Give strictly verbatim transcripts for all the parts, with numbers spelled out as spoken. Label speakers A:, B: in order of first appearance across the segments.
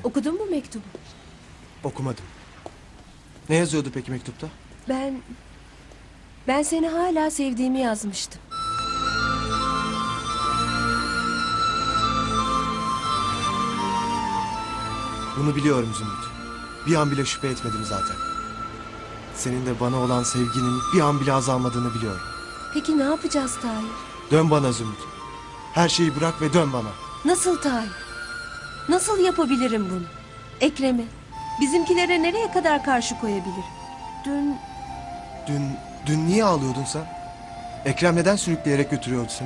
A: Okudun mu mektubu?
B: Okumadım. Ne yazıyordu peki mektupta?
A: Ben... Ben seni hala sevdiğimi yazmıştım.
B: Bunu biliyorum Zümrüt. Bir an bile şüphe etmedim zaten. Senin de bana olan sevginin bir an bile azalmadığını biliyorum.
A: Peki ne yapacağız Tahir?
B: Dön bana Zümrüt. Her şeyi bırak ve dön bana.
A: Nasıl Tahir? Nasıl yapabilirim bunu? Ekrem'e, bizimkilere nereye kadar karşı koyabilirim? Dün...
B: Dün, dün niye ağlıyordun sen? Ekrem neden sürükleyerek götürüyordu seni?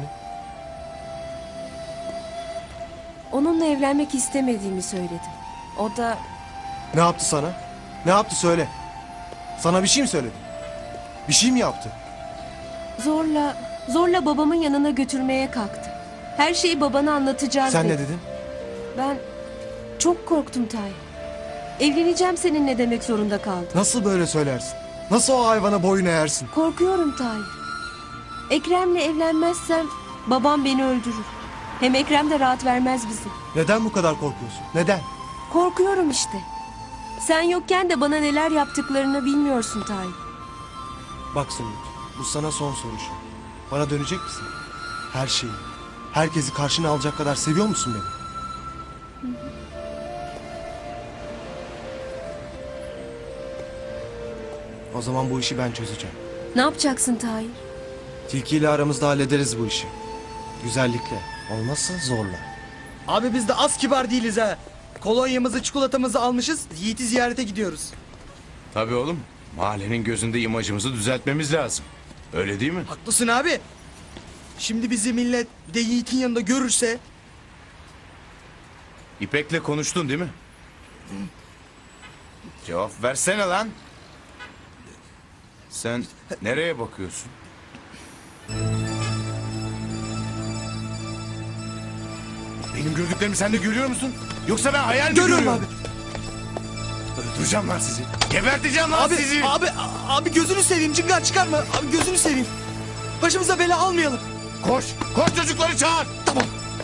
A: Onunla evlenmek istemediğimi söyledim. O da...
B: Ne yaptı sana? Ne yaptı söyle. Sana bir şey mi söyledi? Bir şey mi yaptı?
A: Zorla, zorla babamın yanına götürmeye kalktı. Her şeyi babana anlatacağız
B: Sen
A: dedi.
B: ne dedin?
A: Ben çok korktum Tahir. Evleneceğim seninle demek zorunda kaldım.
B: Nasıl böyle söylersin? Nasıl o hayvana boyun eğersin?
A: Korkuyorum Tahir. Ekrem'le evlenmezsem babam beni öldürür. Hem Ekrem de rahat vermez bizi.
B: Neden bu kadar korkuyorsun? Neden?
A: Korkuyorum işte. Sen yokken de bana neler yaptıklarını bilmiyorsun Tahir.
B: Bak Zümrüt, bu sana son soru şu. Bana dönecek misin? Her şeyi, herkesi karşına alacak kadar seviyor musun beni? O zaman bu işi ben çözeceğim.
A: Ne yapacaksın Tahir?
B: Tilki ile aramızda hallederiz bu işi. Güzellikle, olmazsa zorla.
C: Abi biz de az kibar değiliz ha. Kolonyamızı, çikolatamızı almışız. Yiğit'i ziyarete gidiyoruz.
D: Tabii oğlum. Mahallenin gözünde imajımızı düzeltmemiz lazım. Öyle değil mi?
C: Haklısın abi. Şimdi bizi millet bir de Yiğit'in yanında görürse...
D: İpek'le konuştun değil mi? Cevap versene lan. Sen nereye bakıyorsun? Benim gördüklerimi sen de görüyor musun? Yoksa ben hayal mi
C: Görüyorum
D: görüyorum?
C: abi.
D: Öldüreceğim lan sizi. Geberteceğim lan
C: Abi,
D: sizi.
C: abi, a- abi gözünü seveyim. Cıngar çıkarma. Abi gözünü seveyim. Başımıza bela almayalım.
D: Koş. Koş çocukları çağır.
C: Tamam.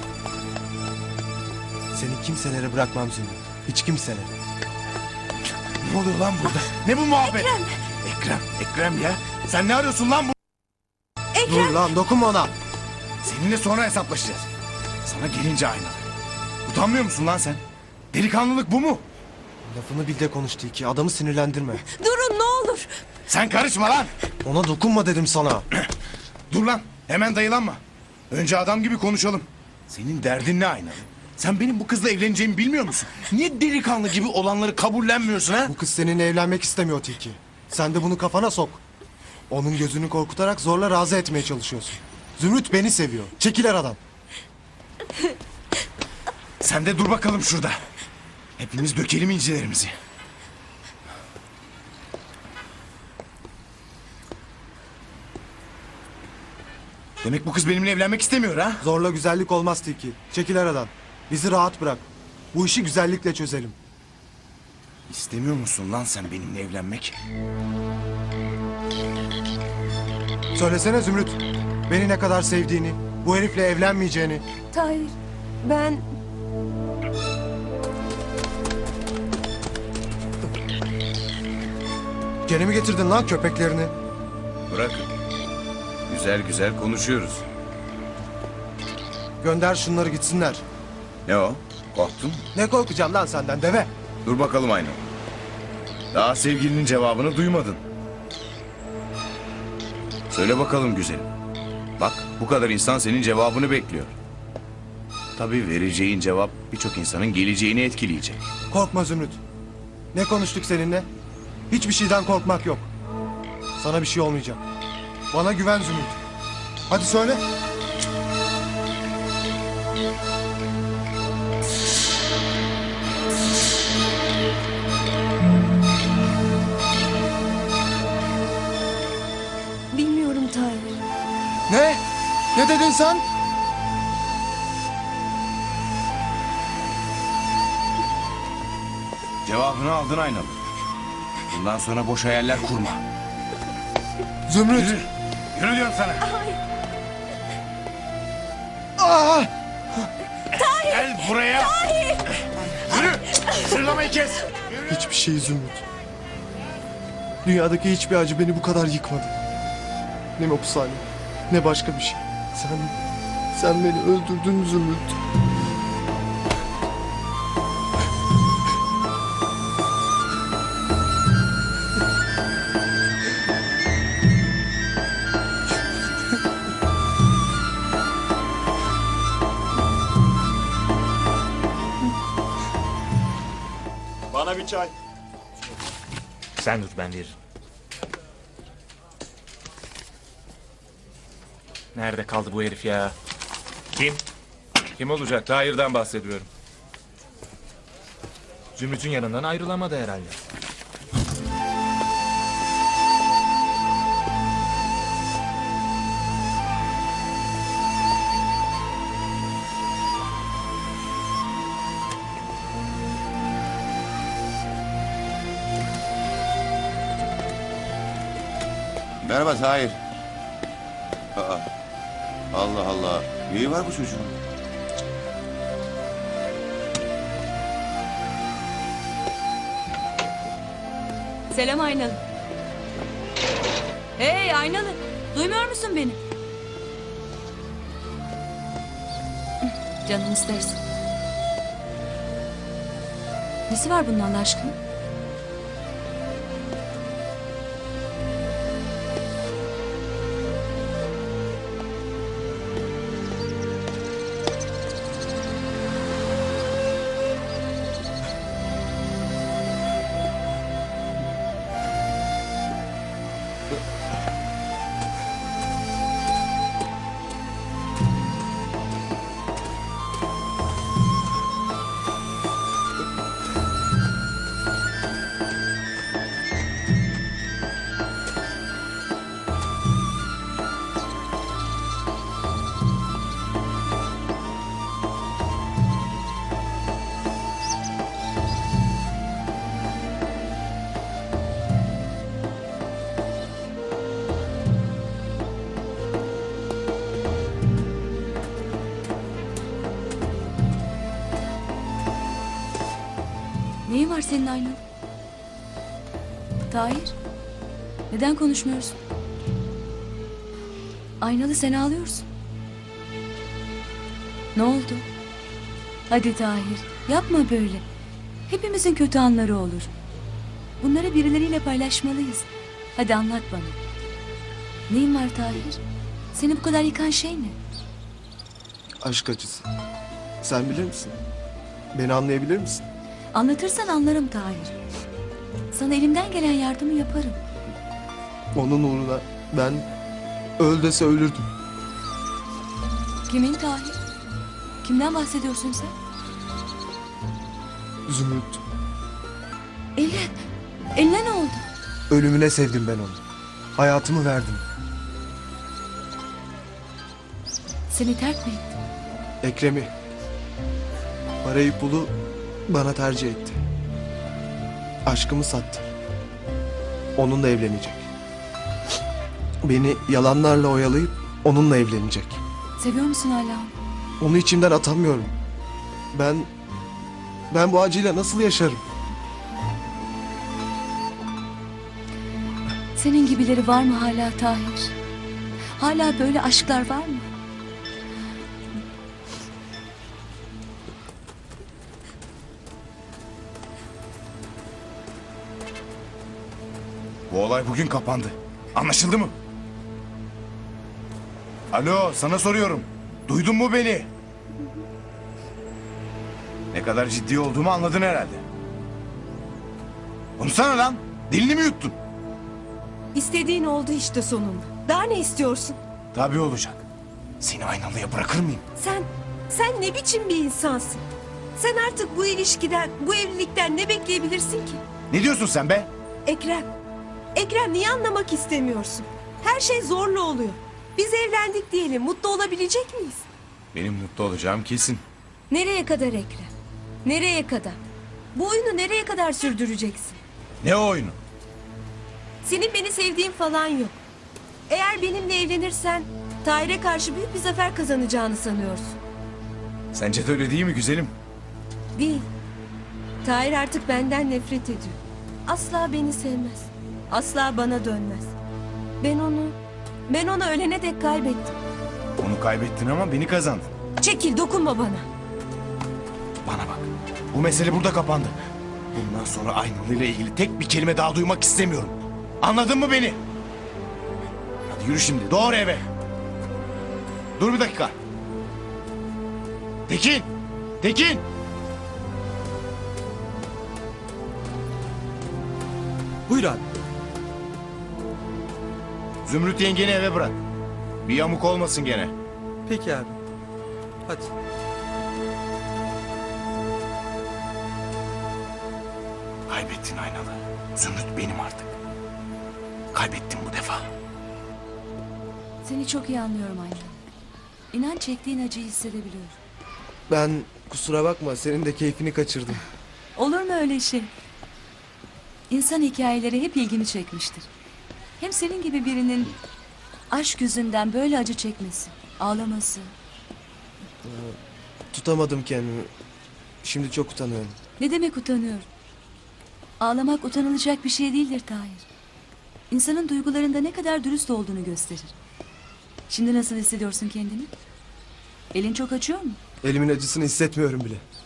B: Seni kimselere bırakmam Zümrüt. Hiç kimselere.
D: Ne oluyor lan burada? Ne bu muhabbet? Ekrem. Ekrem. Ekrem ya. Sen ne arıyorsun lan bu?
B: Dur lan, dokunma ona.
D: Seninle sonra hesaplaşacağız. Sana gelince aynalı. Utanmıyor musun lan sen? Delikanlılık bu mu?
B: Lafını bil de konuş Tilki, adamı sinirlendirme.
A: Durun ne olur.
D: Sen karışma lan.
B: Ona dokunma dedim sana.
D: Dur lan. Hemen dayılanma. Önce adam gibi konuşalım. Senin derdin ne aynalı? Sen benim bu kızla evleneceğimi bilmiyor musun? Niye delikanlı gibi olanları kabullenmiyorsun ha?
B: Bu kız seninle evlenmek istemiyor Tilki. Sen de bunu kafana sok. Onun gözünü korkutarak zorla razı etmeye çalışıyorsun. Zümrüt beni seviyor. Çekiler adam.
D: Sen de dur bakalım şurada. Hepimiz dökelim incilerimizi. Demek bu kız benimle evlenmek istemiyor ha?
B: Zorla güzellik olmaz Tilki. Çekiler adam. Bizi rahat bırak. Bu işi güzellikle çözelim.
D: İstemiyor musun lan sen benimle evlenmek?
B: Söylesene Zümrüt. Beni ne kadar sevdiğini, bu herifle evlenmeyeceğini.
A: Tahir, ben...
B: Gene mi getirdin lan köpeklerini?
D: Bırakın. Güzel güzel konuşuyoruz.
B: Gönder şunları gitsinler.
D: Ne o? Korktun mu?
B: Ne korkacağım lan senden deve?
D: Dur bakalım ayna. Daha sevgilinin cevabını duymadın. Söyle bakalım güzelim. Bak bu kadar insan senin cevabını bekliyor. Tabii vereceğin cevap birçok insanın geleceğini etkileyecek.
B: Korkma Zümrüt. Ne konuştuk seninle? Hiçbir şeyden korkmak yok. Sana bir şey olmayacak. Bana güven Zümrüt. Hadi söyle.
A: Bilmiyorum Tahir.
B: Ne? Ne dedin sen?
D: Cevabını aldın aynalı. Bundan sonra boş hayaller kurma.
B: Zümrüt.
D: Yürü. Yürü diyorum sana.
B: Aa!
D: Gel buraya. Yürü. Mısırlamayı kes.
B: Hiçbir şey Zümrüt. Dünyadaki hiçbir acı beni bu kadar yıkmadı. Ne hapishane, ne başka bir şey. Sen, sen beni öldürdün Zümrüt.
E: Bana bir çay.
F: Sen dur, ben veririm. Nerede kaldı bu herif ya? Kim?
E: Kim olacak? Tahir'den bahsediyorum.
F: Zümrüt'ün yanından ayrılamadı herhalde.
G: Merhaba Tahir. Aa, Allah Allah. Neyi var bu çocuğun?
H: Selam Aynalı. Hey Aynalı, duymuyor musun beni? Canın istersin. Nesi var bunun Allah aşkına? Neyin var senin Aynalı? Tahir, neden konuşmuyorsun? Aynalı, sen ağlıyorsun. Ne oldu? Hadi Tahir, yapma böyle. Hepimizin kötü anları olur. Bunları birileriyle paylaşmalıyız. Hadi anlat bana. Neyin var Tahir? Seni bu kadar yıkan şey ne?
B: Aşk acısı. Sen bilir misin? Beni anlayabilir misin?
H: Anlatırsan anlarım Tahir. Sana elimden gelen yardımı yaparım.
B: Onun uğruna ben öl dese ölürdüm.
H: Kimin Tahir? Kimden bahsediyorsun sen?
B: Zümrüt.
H: Eline, eline ne oldu?
B: Ölümüne sevdim ben onu. Hayatımı verdim.
H: Seni terk mi etti?
B: Ekrem'i. Parayı pulu bana tercih etti. Aşkımı sattı. Onunla evlenecek. Beni yalanlarla oyalayıp onunla evlenecek.
H: Seviyor musun hala onu?
B: Onu içimden atamıyorum. Ben... Ben bu acıyla nasıl yaşarım?
H: Senin gibileri var mı hala Tahir? Hala böyle aşklar var mı?
D: Bu olay bugün kapandı. Anlaşıldı mı? Alo, sana soruyorum. Duydun mu beni? Ne kadar ciddi olduğumu anladın herhalde. Konuşsana lan. Dilini mi yuttun?
A: İstediğin oldu işte sonunda. Daha ne istiyorsun?
D: Tabii olacak. Seni Aynalı'ya bırakır mıyım?
A: Sen, sen ne biçim bir insansın? Sen artık bu ilişkiden, bu evlilikten ne bekleyebilirsin ki?
D: Ne diyorsun sen be?
A: Ekrem, Ekrem niye anlamak istemiyorsun? Her şey zorla oluyor. Biz evlendik diyelim, mutlu olabilecek miyiz?
D: Benim mutlu olacağım kesin.
A: Nereye kadar Ekrem? Nereye kadar? Bu oyunu nereye kadar sürdüreceksin?
D: Ne o oyunu?
A: Senin beni sevdiğin falan yok. Eğer benimle evlenirsen Tahir'e karşı büyük bir zafer kazanacağını sanıyorsun.
D: Sence de öyle değil mi güzelim?
A: Değil. Tahir artık benden nefret ediyor. Asla beni sevmez. Asla bana dönmez. Ben onu, ben onu ölene dek kaybettim.
D: Onu kaybettin ama beni kazandın.
A: Çekil, dokunma bana.
D: Bana bak. Bu mesele burada kapandı. Bundan sonra Aynalı ile ilgili tek bir kelime daha duymak istemiyorum. Anladın mı beni? Hadi yürü şimdi. Doğru eve. Dur bir dakika. Tekin! Tekin!
C: Buyur abi.
D: Zümrüt yengeni eve bırak. Bir yamuk olmasın gene.
C: Peki abi. Hadi.
D: Kaybettin Aynalı. Zümrüt benim artık. Kaybettim bu defa.
H: Seni çok iyi anlıyorum Ayla. İnan çektiğin acıyı hissedebiliyorum.
B: Ben kusura bakma senin de keyfini kaçırdım.
H: Olur mu öyle şey? İnsan hikayeleri hep ilgimi çekmiştir. Hem senin gibi birinin aşk yüzünden böyle acı çekmesi, ağlaması.
B: Tutamadım kendimi. Şimdi çok utanıyorum.
H: Ne demek utanıyorum? Ağlamak utanılacak bir şey değildir Tahir. İnsanın duygularında ne kadar dürüst olduğunu gösterir. Şimdi nasıl hissediyorsun kendini? Elin çok acıyor mu?
B: Elimin acısını hissetmiyorum bile.